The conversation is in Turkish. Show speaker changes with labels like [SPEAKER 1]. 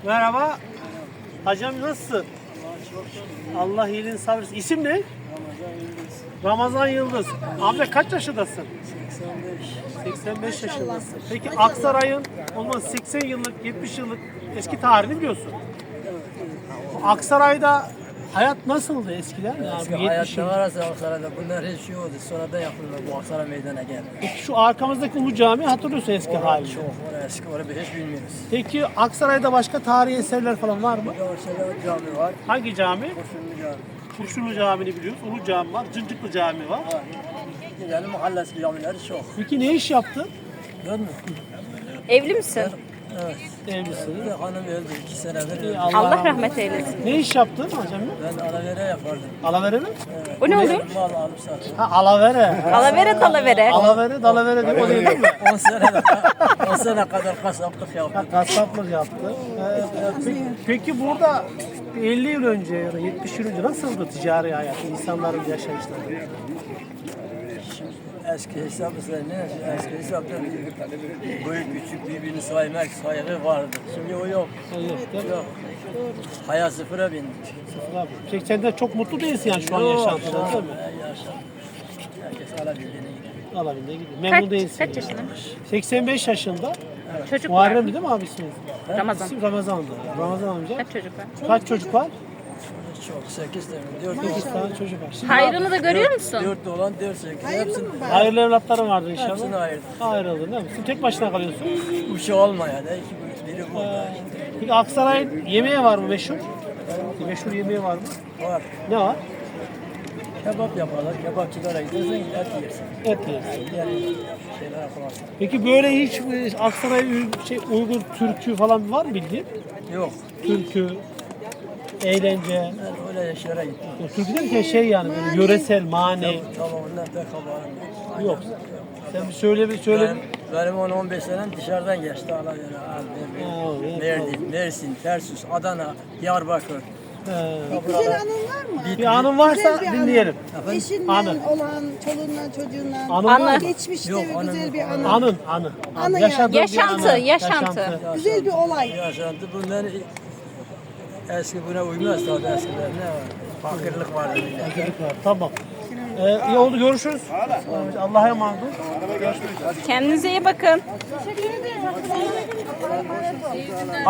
[SPEAKER 1] Merhaba. Hacım nasılsın? Allah iyiliğini sağ versin. İsim ne? Ramazan Yıldız. Amca kaç yaşındasın? 85 yaşındasın. Peki Aksaray'ın olmaz 80 yıllık, 70 yıllık eski tarihini biliyorsun. Aksaray'da hayat nasıldı eskiden? Yani
[SPEAKER 2] Eski hayatta varsa Aksaray'da bunlar hiç şey oldu. Sonradan yapıldı bu Aksaray meydana geldi.
[SPEAKER 1] Peki şu arkamızdaki Ulu Cami hatırlıyorsun eski halini.
[SPEAKER 2] Çok eski, orayı hiç bilmiyoruz.
[SPEAKER 1] Peki Aksaray'da başka tarihi eserler falan var mı?
[SPEAKER 2] Aksaray'da cami var.
[SPEAKER 1] Hangi cami?
[SPEAKER 2] Kurşunlu cami.
[SPEAKER 1] Kurşunlu Cami'ni biliyoruz. Ulu Cami var. Cıncıklı Cami var.
[SPEAKER 2] Yani mahallesi camileri çok.
[SPEAKER 1] Peki ne iş yaptın?
[SPEAKER 2] Gördün mü?
[SPEAKER 3] Evli misin?
[SPEAKER 2] Evet.
[SPEAKER 1] Evlisin.
[SPEAKER 2] Bir hanım öldü 2 senedir öldü.
[SPEAKER 3] Allah rahmet eylesin.
[SPEAKER 1] Ne iş yaptın hocam?
[SPEAKER 2] Ben alavere yapardım.
[SPEAKER 1] Alavere mi?
[SPEAKER 3] O ne oluyor?
[SPEAKER 2] Mal alıp sattım.
[SPEAKER 1] Ha alavere.
[SPEAKER 3] Alavere talavere.
[SPEAKER 1] Alavere, dalavere değil mi? O değil mi?
[SPEAKER 2] 10 sene kadar kasaplık yaptım.
[SPEAKER 1] Kasaplık yaptı. Peki burada 50 yıl önce ya da 70 yıl önce nasıldı ticari hayat, insanların yaşayışları?
[SPEAKER 2] Eski hesap mesela ne? Eski hesapta büyük küçük birbirini saymak saygı vardı. Şimdi o yok.
[SPEAKER 1] Evet, değil mi?
[SPEAKER 2] Yok. Hayat sıfıra bindi.
[SPEAKER 1] Peki sen de çok mutlu değilsin yani şu an yaşantıda değil mi?
[SPEAKER 2] Yaşam. Herkes alabildiğine gidiyor.
[SPEAKER 1] Alabildiğine gidiyor. Memnun değilsin.
[SPEAKER 3] Kaç yaşında?
[SPEAKER 1] 85 yaşında.
[SPEAKER 3] Çocuk var.
[SPEAKER 1] Muharrem değil mi abi isminiz?
[SPEAKER 3] Ramazan.
[SPEAKER 1] İsim Ramazan'da. Ramazan amca.
[SPEAKER 3] Kaç çocuk var?
[SPEAKER 1] Kaç çocuk var?
[SPEAKER 2] Çok 8 tane, 4
[SPEAKER 1] 8 tane çocuk var. Şimdi
[SPEAKER 3] Hayrını da görüyor musun?
[SPEAKER 2] 4 olan 4 8. Hepsini,
[SPEAKER 1] hayırlı evlatların vardır inşallah.
[SPEAKER 2] hepsini ayırdım.
[SPEAKER 1] Ayrıldın değil mi? Sen tek başına kalıyorsun.
[SPEAKER 2] Uşu olmayan, biri burada.
[SPEAKER 1] Peki Aksaray'ın yemeği var mı meşhur? Meşhur yemeği var mı?
[SPEAKER 2] Var.
[SPEAKER 1] Ne var?
[SPEAKER 2] Kebap yaparlar, kebapçılara gidersen et yersin.
[SPEAKER 1] Et yersin.
[SPEAKER 2] Diğer şeyler yapamazsın.
[SPEAKER 1] Peki böyle hiç Aksaray Uygur türkü falan var mı bildiğin?
[SPEAKER 2] Yok.
[SPEAKER 1] Türkü, eğlence.
[SPEAKER 2] Ben öyle yaşlara gittim.
[SPEAKER 1] Türkü derken şey yani böyle yöresel, mani.
[SPEAKER 2] Tamam ondan pek haberim yok.
[SPEAKER 1] Yok. Sen bir söyle bir söyle.
[SPEAKER 2] Benim 10-15 senem dışarıdan geçti. Alavere,
[SPEAKER 1] evet,
[SPEAKER 2] Mersin, Mersin, Tersus, Adana, Diyarbakır.
[SPEAKER 4] Güzel anın var mı?
[SPEAKER 1] Bir anın varsa
[SPEAKER 4] Güzel bir anı.
[SPEAKER 1] dinleyelim.
[SPEAKER 4] Eşinden
[SPEAKER 1] Anı.
[SPEAKER 4] olan, çoluğundan, çocuğundan.
[SPEAKER 1] Anı var mı?
[SPEAKER 4] Geçmişte
[SPEAKER 2] Yok,
[SPEAKER 4] bir güzel bir anı.
[SPEAKER 1] Anı.
[SPEAKER 4] Anı
[SPEAKER 1] Yaşadığın bir
[SPEAKER 3] Yaşantı,
[SPEAKER 1] anı.
[SPEAKER 3] yaşantı.
[SPEAKER 4] Güzel bir olay.
[SPEAKER 2] Yaşantı bunlar eski buna uymaz tabii eskiden ne var? Fakirlik vardı bile.
[SPEAKER 1] Fakirlik var. Tamam. İyi oldu görüşürüz. Allah'a emanet ol.
[SPEAKER 3] Kendinize iyi bakın.